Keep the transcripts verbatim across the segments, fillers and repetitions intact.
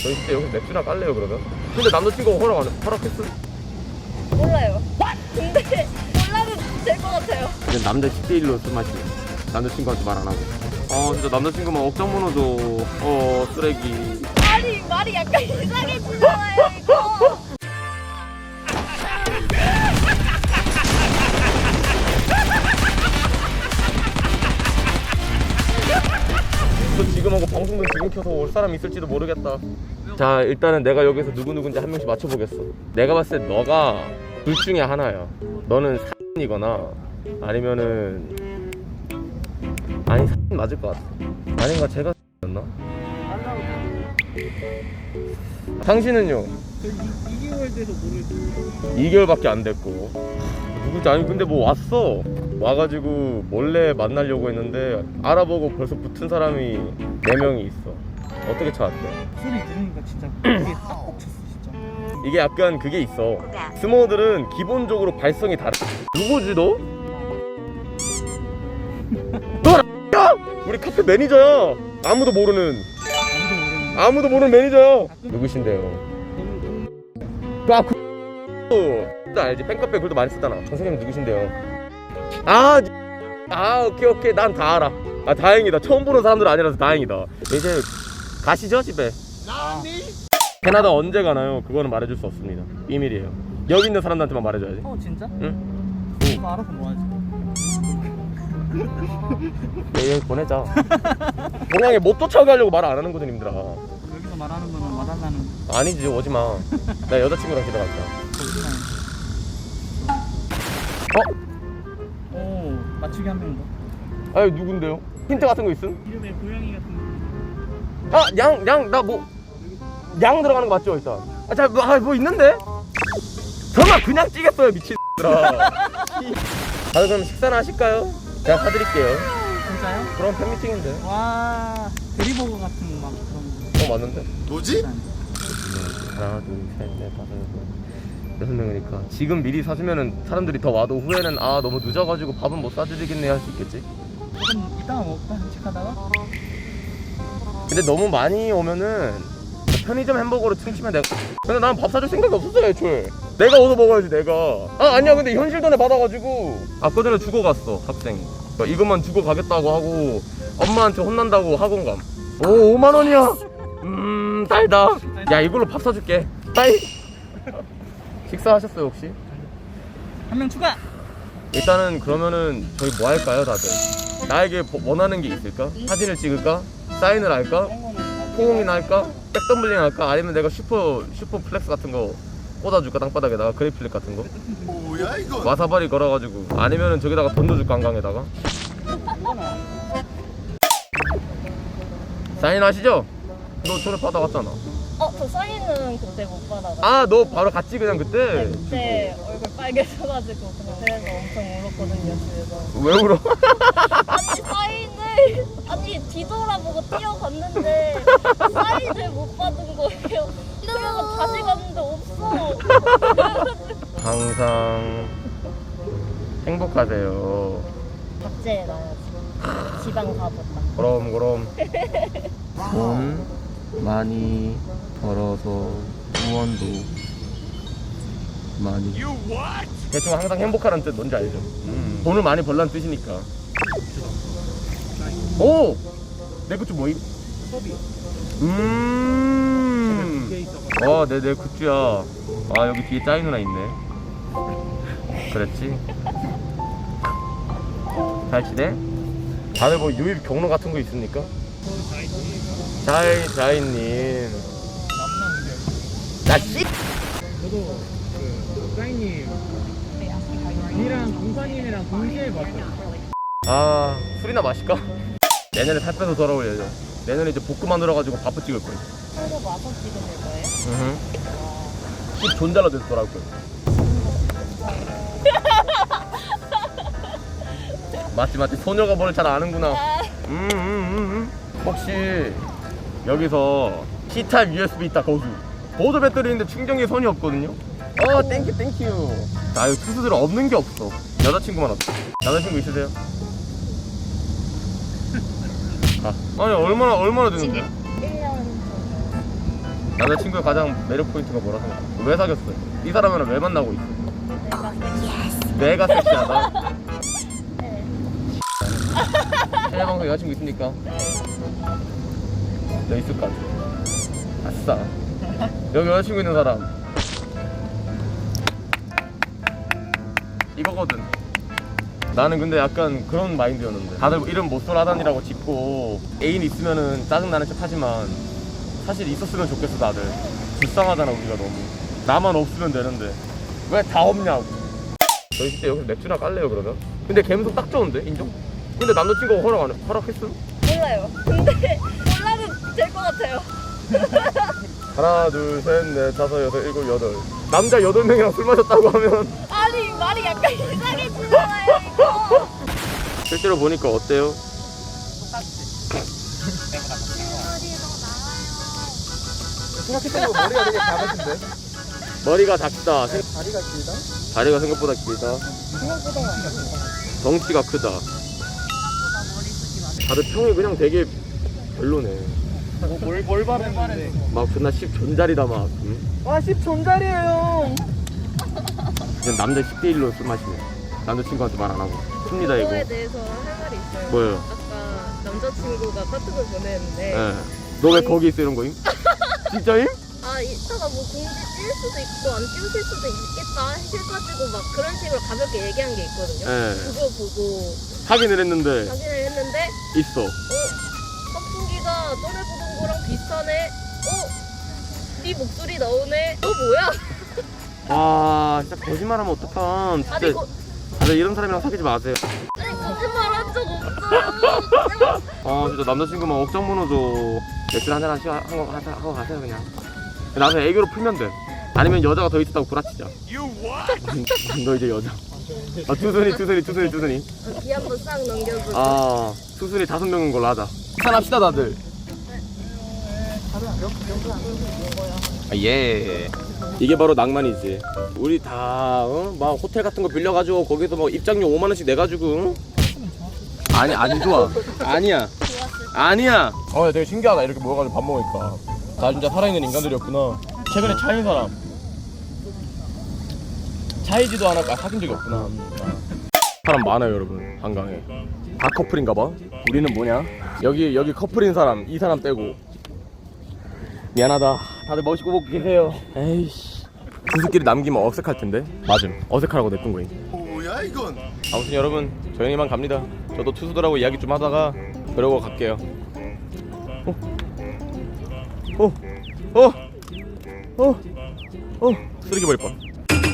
저희 진짜 여기서 맥주나 깔래요 그러면? 근데 남자친구가 허락 안 해? 허락했어? 몰라요. 근데 몰라도 될 것 같아요. 근데 남자 십 대 일로 술 마시네. 남자친구한테 말 안 하고. 어 진짜 남자친구만 억장 번호줘. 어 쓰레기. 말이 말이 약간 이상해지잖아요 이거. 저 지금 하고 방송도 지금 켜서 올 사람이 있을지도 모르겠다. 자 일단은 내가 여기서 누구누군지 한 명씩 맞춰보겠어. 내가 봤을 때 너가 둘 중에 하나야. 너는 사이거나 아니면은 아니 사이 맞을 것 같아. 아닌가 제가 였나? 당신은요? 저 이 개월 돼서 모르겠어요. 이 개월밖에 안 됐고. 누구지? 아니 근데 뭐 왔어. 와가지고 몰래 만나려고 했는데 알아보고 벌써 붙은 사람이 네 명이 있어. 어떻게 찾았대? 소리 들으니까 진짜 이게 딱 꽂혔어 진짜. 이게 약간 그게 있어. 스모들은 기본적으로 발성이 다르. 누구지 너? 너 야! 우리 카페 매니저야. 아무도 모르는 아무도 모르는. 아무도 모르는 매니저야. 누구신데요? 아 그. 나 알지. 팬카페 글도 많이 쓰잖아. 선생님 누구신데요? 아, 아 오케이 오케이 난 다 알아. 아 다행이다. 처음 보는 사람들 아니라서 다행이다. 이제 가시죠 집에. 캐나다 언제 가나요? 그거는 말해줄 수 없습니다. 비밀이에요. 여기 있는 사람들한테만 말해줘야지. 어 진짜? 응? 그거 알아서 뭐하지? 얘 보내자. 동양에 못 쫓아가려고 말 안 하는 거든 님들아. 여기서 말하는 거는 말하려는 아니지 오지마. 나 여자친구랑 집에 갔다. 거짓말. 어? 오 맞추기 한 명 더. 아니 누군데요? 힌트 같은 거 있음? 이름에 고양이 같은 아 양 양 나 뭐 양 들어가는 거 맞죠 일단? 아자 뭐, 아, 뭐 있는데? 설마 그냥 찌겠어요 미친들아. 다들 그럼 식사나 하실까요? 제가 사드릴게요. 거. 진짜요? 그럼 팬미팅인데. 와 대리버거 같은 막 그런 거. 어 맞는데? 뭐지? 하나 둘셋넷 다섯 여섯 여섯 명이니까 지금 미리 사주면은 사람들이 더 와도 후에는 아 너무 늦어가지고 밥은 못 사드리겠네 할 수 있겠지? 조금 이따가 먹을까? 산책하다가? 근데 너무 많이 오면은 편의점 햄버거로 퉁치면 내가 근데 나는 밥 사줄 생각이 없었어요 애초에. 내가 얻어 먹어야지 내가. 아 아니야 근데 현실 돈에 받아가지고 아까 전에 주고 갔어 학생이. 그러니까 이것만 주고 가겠다고 하고 엄마한테 혼난다고 학원 감. 오 오만 원이야. 음 달다. 야 이걸로 밥 사줄게. 따이. 식사하셨어요 혹시? 한 명 추가! 일단은 그러면은 저희 뭐 할까요 다들? 나에게 원하는 게 있을까? 사진을 찍을까? 사인을 할까? 포옹이나 할까? 백덤블링 할까? 아니면 내가 슈퍼 슈퍼 플렉스 같은 거 꽂아줄까 땅바닥에다가 그래플릭 같은 거? 뭐야 이거? 와사바리 걸어가지고 아니면은 저기다가 돈 넣어줄까 한강에다가? 사인 하시죠? 너 전에 받아갔잖아. 어, 저 사인은 그때 못 받아가지고. 아 너 바로 갔지 그냥 그때? 네, 그때 얼굴 빨개져가지고 그냥 그래서 엄청 울었거든요 집에서. 왜 울어? 아니 사인을 아니 뒤돌아보고 뛰어갔는데 사인을 못 받은 거예요. 그래서 다시 갔는데 없어. 항상 행복하세요. 박제해놔야지. 지방 가보다. 그럼 그럼 돈 많이 벌어서 후원도 많이 대충 항상 행복하라는 뜻 뭔지 알죠? 음. 돈을 많이 벌라는 뜻이니까. 오! 내 굿즈 뭐임? 음. 어, 내, 내 굿즈야. 아, 여기 뒤에 짜이 누나 있네. 그랬지? 잘 지내? 다들 뭐 유입 경로 같은 거 있습니까? 자이, 자이님. 나 씨! 저도 그 사인님 이랑 공사님이랑 동시에 봤어요. 아, 술이나 마실까? 내년에 살 빼서 돌아올 예정. 내년에 이제 볶음 만들어가지고 밥도 찍을 거야. 서로 와서 찍으실 거예요? 응. 집 존잘라 돼서 돌아올 거야. 맞지 맞지. 소녀가 뭘 잘 아는구나. 음, 음, 음, 음. 혹시 여기서 C타입 유에스비 있다 거기. 보드 배터리인데 충전기에 손이 없거든요. 어 땡큐 땡큐. 나 이거 투수들 없는 게 없어. 여자친구만 없어. 여자친구 있으세요? 아, 아니 얼마나 얼마나 되는데? 일 년 남자친구의 가장 매력 포인트가 뭐라 생각해? 왜 사귀었어요? 이 사람이랑 왜 만나고 있어? 내가 섹시하다? 해외 방송 여자친구 있습니까? 너 있을 것 같아. 아싸. 여기 여자친구 있는 사람 이거거든. 나는 근데 약간 그런 마인드였는데 다들 이름 못쏠하다니라고 짓고 애인 있으면은 짜증나는 척 하지만 사실 있었으면 좋겠어. 다들 불쌍하잖아 우리가. 너무 나만 없으면 되는데 왜 다 없냐고. 저희 진짜 여기서 맥주나 깔래요 그러면? 근데 감성 딱 좋은데? 인정? 근데 남자친구가 허락 안 해? 허락했음? 몰라요. 근데 몰라도 될 것 같아요. 하나 둘 셋 넷 다섯 여섯 일곱 여덟 남자 여덟 명이랑 술 마셨다고 하면 아니 말이 약간 이상해지잖아요 이거. 실제로 보니까 어때요? 생각했던 거 머리가 되게 작으신데? 머리가 작다. 생- 다리가 길다? 다리가 생각보다 길다. 생각보다 덩치가 크다. 다들 평이 그냥 되게 별로네. 뭘, 뭘 바랬는데 막 존나 십 존잘이다 막. 응? 와 십 존잘이에요. 그냥 남자 십 대 일로 술 마시네. 남자친구한테 말 안 하고. 큽니다 이거. 그거에 대해서 할 말이 있어요. 뭐예요? 아까 남자친구가 카톡을 보냈는데 예. 너 왜 거기 있어 이런 거임? 진짜임? 아 이따가 뭐 공지 찔 수도 있고 안 찔릴 수도 있겠다 해가지고 막 그런 식으로 가볍게 얘기한 게 있거든요. 예. 그거 보고 확인을 했는데 확인을 했는데 있어. 어? 선풍기가 전에 보던 거랑 비슷하네? 어? 네 목소리 나오네? 어 뭐야? 아 진짜 거짓말하면 어떡함. 진짜. 아니 거, 다들 이런 사람이랑 사귀지 마세요. 아니 거짓말 한 적 없어요. 아 진짜 남자친구만 억장 무너져. 맥주 한잔 하시고 하고, 가세- 하고 가세요 그냥. 나중에 애교로 풀면 돼. 아니면 여자가 더 있었다고 구라치자. 너 이제 여자. 아 투순이 투순이 투순이 투순이. 귀 한번 싹 넘겨주고 아 투순이 다섯 명인 걸로 하자. 산합시다 다들. 아, 예. 이게 바로 낭만이지. 우리 다, 어? 막 호텔 같은 거 빌려가지고 거기서 뭐 입장료 오만 원씩 내가지고. 응? 아니 안 좋아. 아니야. 아니야. 어, 되게 신기하다. 이렇게 모여가지고 밥 먹으니까. 다 진짜 살아있는 인간들이었구나. 최근에 차인 사람. 차이지도 않았고 아, 사귄 적이 없구나. 사람 많아요 여러분 한강에. 다 커플인가봐. 우리는 뭐냐? 여기 여기 커플인 사람 이 사람 빼고. 미안하다. 다들 멋있고 보고 계세요. 에이씨. 분수끼리 남기면 어색할 텐데. 맞음. 어색하라고 냅둔 거임. 뭐야 이건? 아무튼 여러분 저희는 이만 갑니다. 저도 투수들하고 이야기 좀 하다가 그러고 갈게요. 어? 어? 어? 어? 어? 쓰레기 버릴 뻔.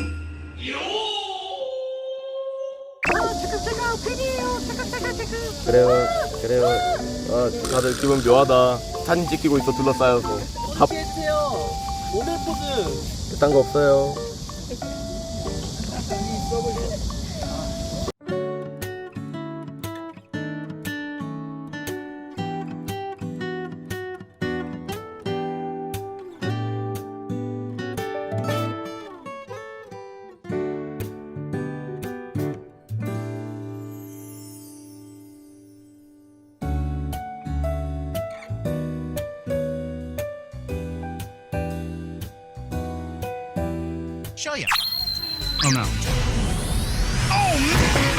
그래요 그래요. 아 다들 기분 묘하다. 사진 찍히고 있어 둘러싸여서. 밥 해주세요. 모델 포즈. 그딴 거 없어요. Show you. Oh no. Oh man.